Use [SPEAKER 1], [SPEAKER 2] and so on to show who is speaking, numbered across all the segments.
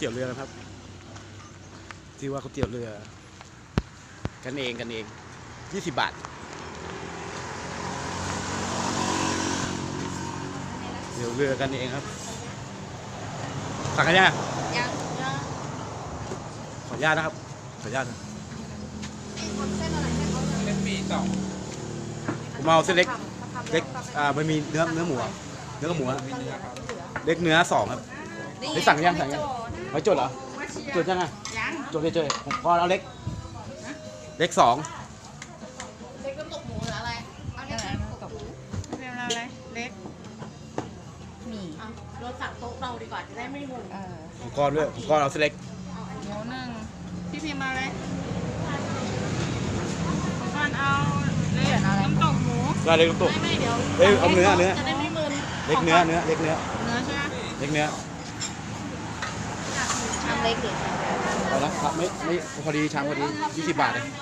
[SPEAKER 1] ตี๋ยวเรือนะครับที่ว่าก๋วยเตี๋ยวเรือกันเอง20 บาทเตี๋ยวเรือกันเองครับสั่งกันยังขออนุญาตนะครับขออนุญาตนะ
[SPEAKER 2] เป็นปีสอง
[SPEAKER 1] ผมเอาเส้นเล็กมันมีเนื้อหมูเนื้อกับหมูเล็กเนื้อ2ครับได้สั่งยังไม่จดเหรอจดยังไงจดเลยผมพอเอาเล็ก2
[SPEAKER 3] เล็กน้ำตกหมูหรืออะไรเอาเล็กน้ำตกหมูเป็นอะไรเล็กหมี่รถสั่งโต๊ะเราดีกว่าจะได้ไม่งง
[SPEAKER 1] ผมก้อนด้วยผมก้อนเอาเส้นเล็ก
[SPEAKER 3] หมูหนึ่งพี่พิมพ์มาเลยผมก้อนเอาเล็กน้ำตกหมู
[SPEAKER 1] ได้เล็กน้ำตก
[SPEAKER 3] ไม่เดี๋ยว
[SPEAKER 1] เอาเนื้อ
[SPEAKER 3] จะได้ไม่มึน
[SPEAKER 1] เล็กเนื้อใช่ไหมเล็กเนื้อ
[SPEAKER 3] ชามเล็กดิ
[SPEAKER 1] เอาละครับไม่พอดีชามพอดี20 บาทเลย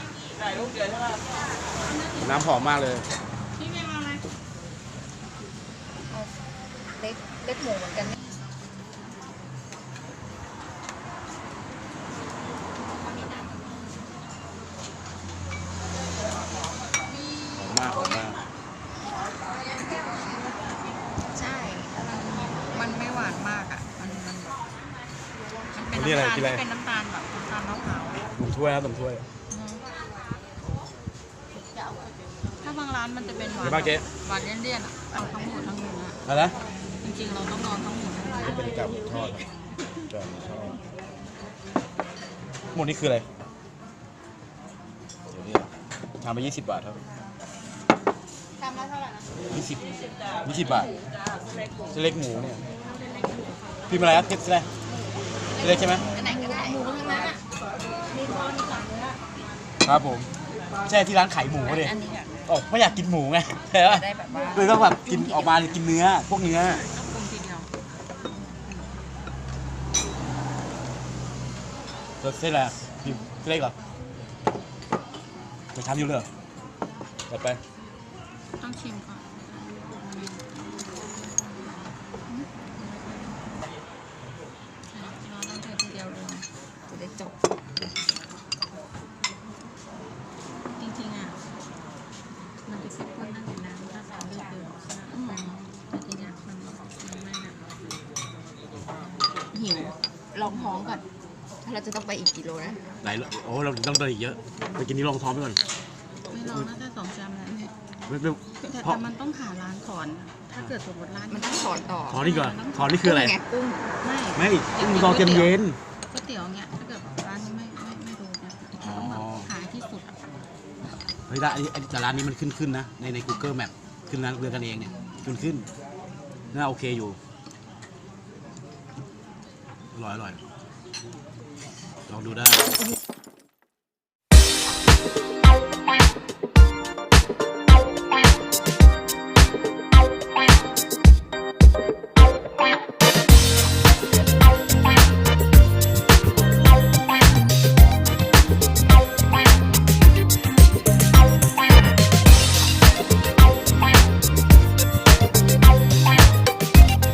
[SPEAKER 1] น้ำหอมมากเลย
[SPEAKER 3] พี่พิมพ์มาเลยเล็กหมูเหมือนกัน
[SPEAKER 1] หอมมาก
[SPEAKER 3] ใช่มันไม่หวานมากอ่ะมันเป็นน้ำตาลที่เป็นน้ำตาลแบบน้ำตาลมะพร้าว
[SPEAKER 1] หนึ่งถ้วยนะ1 ถ้วย
[SPEAKER 3] ถ้าบางร้านมันจะเป็นหวานหวานเลี่ยนๆอ่ะเอาทั้งหมดทั้งเนื้อ
[SPEAKER 1] อะไรนะ
[SPEAKER 3] จริงๆเราต้องนอนทั้งหมด
[SPEAKER 1] จะเป็นกับทอดหมดนี่คืออะไรเดี๋ยวนี้ทำไป20 บาทครับ
[SPEAKER 3] ทำแล้วเท่าไหร่นะ
[SPEAKER 1] 20 บาทเส้นเล็กหมูเนี่ยพี่มาอะไรครับเส้นเล็กใช่ไหม
[SPEAKER 3] อันไหนก็ได้หมูทั้งนั้นอ่ะมีคอมีหลังเนื้อ
[SPEAKER 1] ครับผมใช่ที่ร้านขายหมูเลยโอ้ไม่อยากกินหมูไงใช่ป่ะเลยต้องแบบกินออกมากินเนื้อพวกเนื้อเส้นอะไรพี่เส้นเล็กเหรอจะทำอยู่เลยจัดไป
[SPEAKER 3] ต้องชิมก่อนเราต้องเททีเดียวเลยจะได้จบจริงๆอ่ะมันจะเข้มข้นนั่งอยู่น้ำถ้าใส่เลือดเยอะแต่ทีเนี้ยมันไม่นะหิวลองท้องก่อนเราจะต้องไปอีกกี่โลนะ
[SPEAKER 1] โอ้เราต้องเดินอีกเยอะไปกินนี้ลองท้องไปก่อน
[SPEAKER 3] ไม่ลองน่าจะ2 ชามแล้วเนี่ยแต่มันต้องหาร้านถอนถ้าเกิดสมมติร้านมันต้องถอนต่อ
[SPEAKER 1] ถอนนี่ก่อนถอนนี่คืออะไร
[SPEAKER 3] กุ้ง
[SPEAKER 1] ไม่กุ้งรอเย็นก๋
[SPEAKER 3] วยเตี๋ยวเงี้ยถ้าเกิดร้านนี้ไม่ดูเนี่ยต้องแบบหาที่สุด
[SPEAKER 1] เฮ้ยแต่ร้านนี้มันขึ้นนะใน Google Map ขึ้นร้านเรือกันเองเนี่ยขึ้นน่าโอเคอยู่อร่อยลองดูได้